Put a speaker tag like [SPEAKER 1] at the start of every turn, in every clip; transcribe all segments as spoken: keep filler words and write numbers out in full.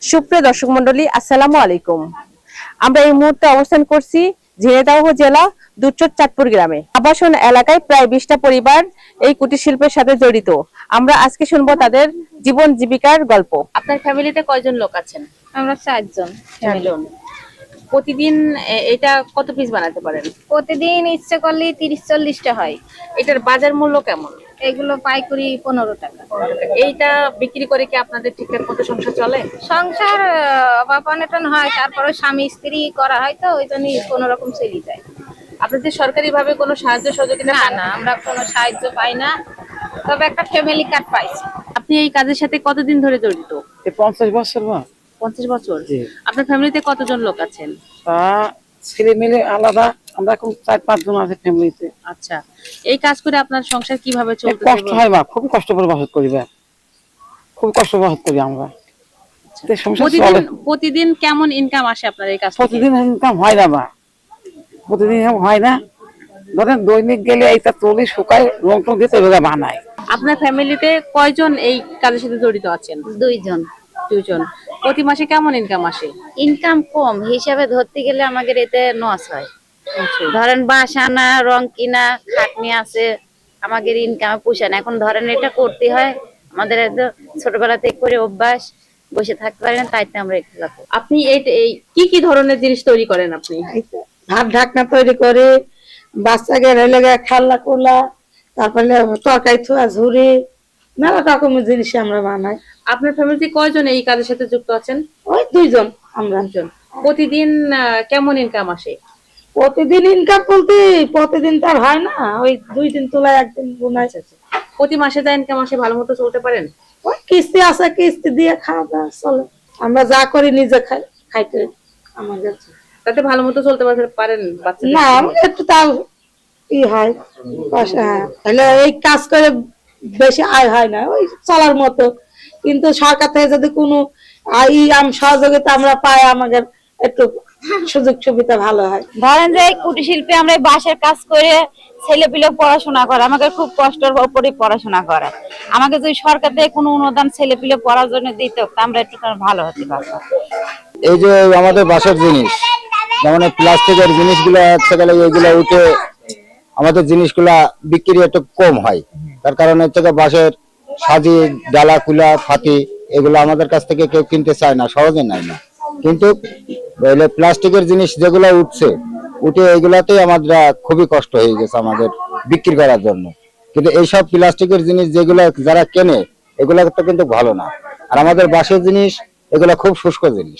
[SPEAKER 1] সুপ্রিয় দর্শক মন্ডলী, আসসালামু আলাইকুম। আমরা এই মুহূর্তে অবস্থান করছি ঝিনাইদহ জেলা দুধচর চাঁদপুর গ্রামে। আবাসন এলাকায় প্রায় বিশটা পরিবার এই কুটির শিল্পের সাথে জড়িত। আমরা আজকে শুনবো তাদের জীবন জীবিকার গল্প। আপনার ফ্যামিলিতে কয়জন লোক আছেন?
[SPEAKER 2] আমরা চারজন।
[SPEAKER 1] চারজন। প্রতিদিন এটা কত পিস বানাতে পারেন?
[SPEAKER 2] প্রতিদিন ইচ্ছে করলে তিরিশ চল্লিশটা হয়।
[SPEAKER 1] এটার বাজার মূল্য কেমন?
[SPEAKER 2] এগুলো পাইকারি পনেরো টাকা।
[SPEAKER 1] এইটা বিক্রি করে কি আপনাদের ঠিকঠাক মতো সংসার চলে?
[SPEAKER 2] সংসার অভাব অনটন হয়, তারপরে স্বামী স্ত্রী করা হয়, তো ওই জন্যই কোনো রকম চলে যায়।
[SPEAKER 1] আপনাদের সরকারি ভাবে কোনো সাহায্য সহযোগিতা?
[SPEAKER 2] না না, আমরা কোনো সাহায্য পাই না, তবে একটা ফ্যামিলি কার্ড পাইছি।
[SPEAKER 1] আপনি এই কাজের সাথে কতদিন ধরে জড়িত?
[SPEAKER 3] পঞ্চাশ বছর।
[SPEAKER 1] পঞ্চাশ বছর। আপনার ফ্যামিলিতে কতজন লোক আছেন?
[SPEAKER 3] ছেলে মেয়ে আলাদা, আমরা এখন চার পাঁচ জন আছে ফ্যামিলিতে।
[SPEAKER 1] আচ্ছা, এই কাজ করে আপনার সংসার কিভাবে চলছে?
[SPEAKER 3] কষ্ট হয় বা খুব কষ্ট করে বাসত করি, বা খুব কষ্ট বাসত করি আমরা।
[SPEAKER 1] প্রতিদিন প্রতিদিন কেমন ইনকাম আসে আপনার এই কাজ?
[SPEAKER 3] প্রতিদিন ইনকাম হয় না বা প্রতিদিন হয় না। ধরেন দৈনিক গেলে এইটা তলি শুকায়, রং টং দিয়ে তৈরি বানায়।
[SPEAKER 1] আপনার ফ্যামিলিতে কয়জন এই কাজের সাথে জড়িত আছেন?
[SPEAKER 2] দুইজন।
[SPEAKER 1] দুইজন। প্রতি মাসে কেমন ইনকাম আসে?
[SPEAKER 2] ইনকাম কম হিসাবে ধরতে গেলে আমাদের এতে লস হয়। ধরেন বাঁশ আনা, রং কিনা, খাটনি আছে, আমাদের ইনকামে পোষায় না। এখন ধরেন এটা করতে হয়, আমাদের একদম ছোটবেলা থেকে করে অভ্যাস, বসে থাকতে পারি না, তাইতে আমরা একটু লাগবো।
[SPEAKER 1] আপনি এই কি কি ধরনের জিনিস তৈরি করেন? আপনি
[SPEAKER 4] ভাত ঢাকনা তৈরি করে, বাচ্চাকে রেলে খেলনা কোলা, তারপরে তরকারি থোয়া ঝুড়ি, মেলা রকমের জিনিস আমরা বানাই।
[SPEAKER 1] আপনার ফ্যামিলিতে কয়জন এই কাজের সাথে যুক্ত আছেন?
[SPEAKER 4] ওই দুইজন আমরা।
[SPEAKER 1] প্রতিদিন কেমন ইনকাম আসে?
[SPEAKER 4] প্রতিদিন ইনকাম বলতে প্রতিদিন তো আর হয় না, ওই দুই দিন তোলায় একদিন বোনাই।
[SPEAKER 1] প্রতি মাসে যা ইনকাম আসে ভালো মতো চলতে পারেন?
[SPEAKER 4] ওই কিস্তি আছে, কিস্তি দিয়ে খাওয়া দাওয়া চলে। আমরা যা করি নিজে খাই, খাইতে আমাদের
[SPEAKER 1] তাতে ভালো মতো চলতে পারেন?
[SPEAKER 4] না, একটু তাও ই হয় পয়সা। তাহলে এই কাজ করে বেশি আয় হয় না, ওই চলার মতো। কিন্তু সরকার থেকে যদি কোনো ই আম সহযোগিতা আমরা পাই, আমাদের একটু সুযোগ সুবিধা ভালো হয়।
[SPEAKER 2] ধরেন যে কুটির শিল্পে আমরা বাঁশের কাজ করে ছেলে পিলে পড়াশোনা করে, আমাকে খুব কষ্টের উপরে পড়াশোনা করে। আমাকে যদি সরকার থেকে কোনো অনুদান ছেলে পিলে পড়ার জন্য দিত, আমরা একটু ভালো হতে পারতাম।
[SPEAKER 5] এই যে আমাদের বাঁশের জিনিস, যেমন প্লাস্টিকের জিনিসগুলো হচ্ছে গেলে এইগুলো উঠে আমাদের জিনিসগুলা বিক্রি একটু কম হয়। তার কারণ হচ্ছে বাঁশের সাজি, ডালা, কুলা, ফাতি এগুলো আমাদের কাছ থেকে কেউ কিনতে চায় না, সহজে নেয় না। কিন্তু প্লাস্টিকের জিনিস যেগুলো উঠছে, উঠে এইগুলাতেই আমাদের খুবই কষ্ট হয়ে গেছে আমাদের বিক্রি করার জন্য। কিন্তু এইসব প্লাস্টিকের জিনিস যেগুলো যারা কেনে, এগুলো তো কিন্তু ভালো না। আর আমাদের বাঁশের জিনিস এগুলো খুব শুষ্ক জিনিস,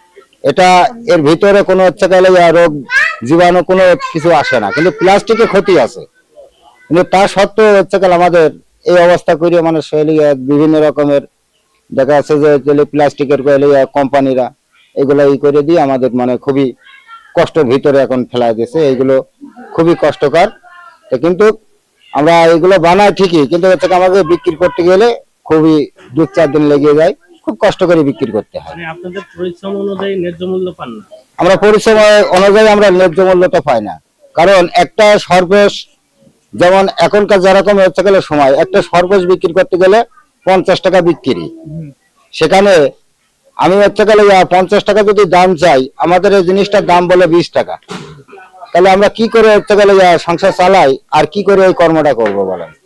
[SPEAKER 5] এটা এর ভিতরে কোনো হচ্ছে গেলে রোগ জীবাণু কোনো কিছু আসে না, কিন্তু প্লাস্টিকের ক্ষতি আছে। কিন্তু তা সত্ত্বেও হচ্ছে গেলে আমাদের এই অবস্থা করে মানে বিভিন্ন রকমের দেখা যাচ্ছে যে প্লাস্টিকের কোম্পানিরা এগুলো ই করে দিয়ে আমাদের মানে খুবই কষ্টের ভিতরে এখন ফেলা দিয়েছে। এইগুলো খুবই কষ্টকর। কিন্তু আমরা এগুলো বানাই ঠিকই, কিন্তু হচ্ছে আমাদের বিক্রি করতে গেলে খুবই দু চার দিন লেগে যায়, খুব কষ্ট করে বিক্রি করতে হয়।
[SPEAKER 6] আপনাদের পরিশ্রম অনুযায়ী ন্যায্য মূল্য পান না?
[SPEAKER 5] আমরা পরিশ্রম অনুযায়ী আমরা ন্যায্য মূল্যটা পাই না। কারণ একটা সর্বশেষ, যেমন এখনকার যেরকম হচ্ছে গেলে সময়, একটা সর্বশেষ বিক্রি করতে গেলে পঞ্চাশ টাকা বিক্রি, সেখানে আমি হচ্ছে গেলে পঞ্চাশ টাকা যদি দাম চাই, আমাদের এই জিনিসটার দাম বলে বিশ টাকা। তাহলে আমরা কি করে হচ্ছে গেলে সংসার চালাই, আর কি করে এই কর্মটা করবো বলেন?